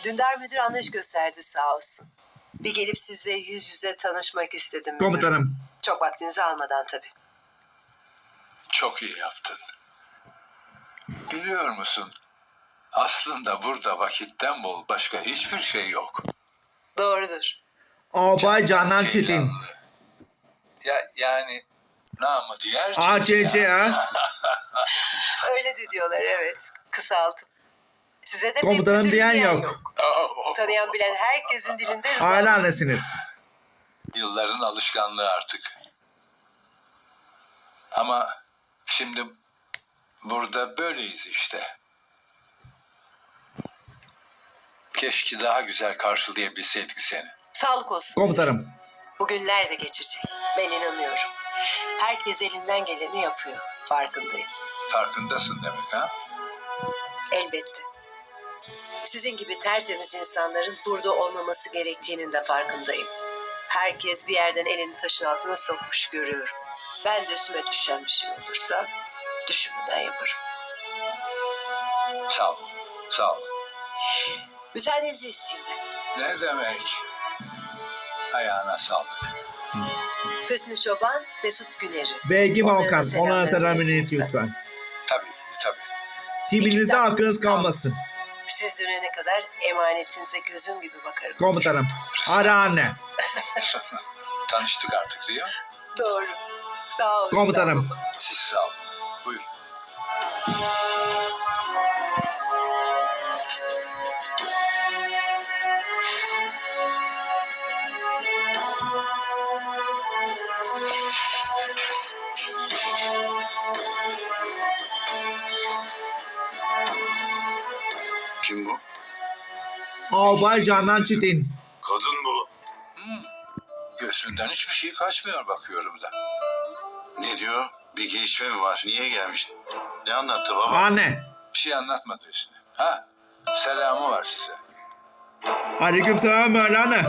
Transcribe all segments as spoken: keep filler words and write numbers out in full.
Dündar müdür anlayış gösterdi sağ olsun. Bir gelip sizle yüz yüze tanışmak istedim. müdür. Komutanım. Çok vaktinizi almadan tabii. Çok iyi yaptın. Biliyor musun? Aslında burada vakitten bol başka hiçbir şey yok. Doğrudur. Albay Canan Çetin. Ceylanlı. Ya yani namı diğer A C C ha. Öyle de diyorlar, evet. Kısaltıp. Size de pek Komutanım müdür diyen yok. Oh, Tanıyan bilen herkesin dilinde Rıza. Hala annesiniz. Yılların alışkanlığı artık. Ama şimdi burada böyleyiz işte. Keşke daha güzel karşılayabilseydik seni. Sağlık olsun. Komutanım. Bugünler de geçecek. Ben inanıyorum. Herkes elinden geleni yapıyor. Farkındayım. Farkındasın demek ha? Elbette. Sizin gibi tertemiz insanların burada olmaması gerektiğinin de farkındayım. Herkes bir yerden elini taşın altına sokmuş görüyorum. Ben de üstüme düşen bir şey olursa düşünmeden yaparım. Sağ ol. Sağ ol. Müsaadenizi isteyeyim ben. Ne demek? Ayağına sağlık. Hüsnü Çoban, Mesut Güner'i. Vergi Onlara da Balkan. selamlar Onlara selam iletin iletin lütfen. lütfen. Tabii tabii. Timinizde hakkınız kalmasın. Siz dönene kadar emanetinize gözüm gibi bakarım. Komutanım. Ara anne. Tanıştık artık değil mi? Doğru. Sağ olun. Komutanım. Siz sağ olun. Buyurun. Kim bu? Albay Canan Çetin. Kadın bu. Hmm. Gözünden hiçbir şey kaçmıyor bakıyorum da. Ne diyor? Bir gelişme mi var? Niye gelmiş? Ne anlattı baba? Anne. Bir şey anlatmadı üstüne. Ha? Selamı var size. Aleyküm selam Mevlana.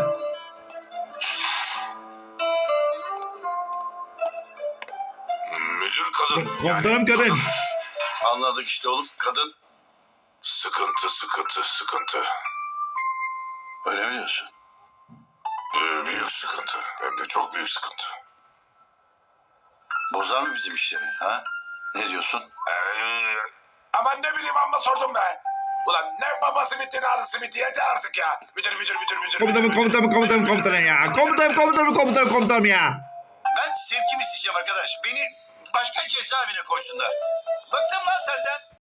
Müdür kadın. Komutanım kadın. Anladık işte oğlum. Kadın. Sıkıntı, sıkıntı, sıkıntı. Öyle mi diyorsun? Ee, büyük sıkıntı. Hem de çok büyük sıkıntı. Bozar mı bizim işleri ha? Ne diyorsun? Ee, aman ne bileyim amma sordum be. Ulan ne babası bitti ne arısı bitti yeter artık ya. Müdür müdür müdür müdür. Komutanım müdür, komutanım müdür, komutanım müdür, komutanım müdür, ya. müdür, Komutanım komutanım komutanım komutanım ya. Ben sevkimi isteyeceğim arkadaş. Beni başka cezaevine koysunlar. Bıktım lan senden.